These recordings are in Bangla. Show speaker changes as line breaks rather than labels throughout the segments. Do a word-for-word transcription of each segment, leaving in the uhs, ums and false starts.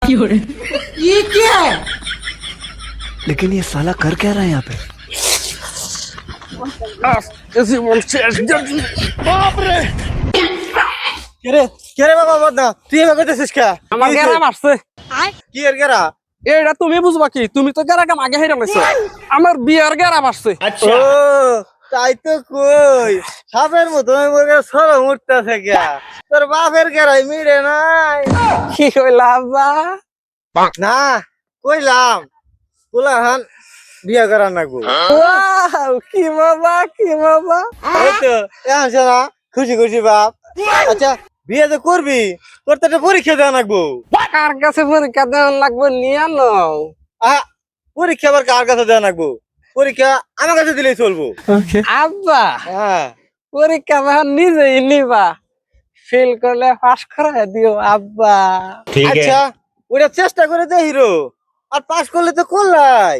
ये क्या है?
लेकिन ये साला कर क्या रहा है यहाँ पे?
কেরে কেরে বাবা বদনা তুই এভাবে করতেছিস কে?
আমার গেরা মারছে।
কি এর গেরা?
এটা তুমি বুঝবা কি? তুমি তো গেরা কাম আগে হেরে গেছো। আমার বিয়ার গেরা মারছে।
ও তাই তো কই সাপের মতো মোরে সরো মুড়তাছে কে? তোর বাপের গেরাই মিরে নাই।
কি কইলা আব্বা?
না কইলাম কুলাহান বিয়া করা নাগো।
ওয়াও কি মজা কি মজা।
এই তো এখন শোনা খুশি খুশি বাপ। আচ্ছা বিয়ে তো করবি তোর তো একটা পরীক্ষা দেওয়া লাগবো।
কার কাছে পরীক্ষা দেওয়ান লাগবে নিয়ে নাও।
আহ পরীক্ষা আবার কার কাছে দেওয়া লাগবো? পরীক্ষা আমার কাছে দিলেই চলবো।
আব্বা
হ্যাঁ
পরীক্ষা যখন নিজেই নিবা ফেল করলে পাস করাই দিও আব্বা।
আচ্ছা ওটা চেষ্টা করে দে হিরো আর পাস করলে তো করলাই।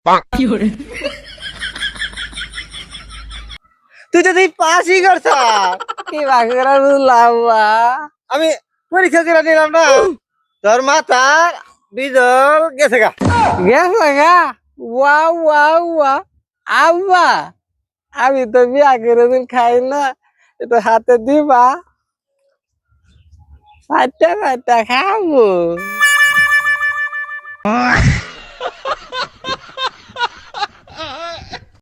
তুই যদি পাসই করছা
কি বাগরা বুঝলা আব্বা?
আমি পরীক্ষা করে নিলাম না তোর মাথার বিজল গেছে গা।
গেছে গা ওয়া ওয়া ওয়া আব্বা আমি তো বিয়া করে দিন খাই না এটা হাতে দিবা চারটা চারটা খাবো।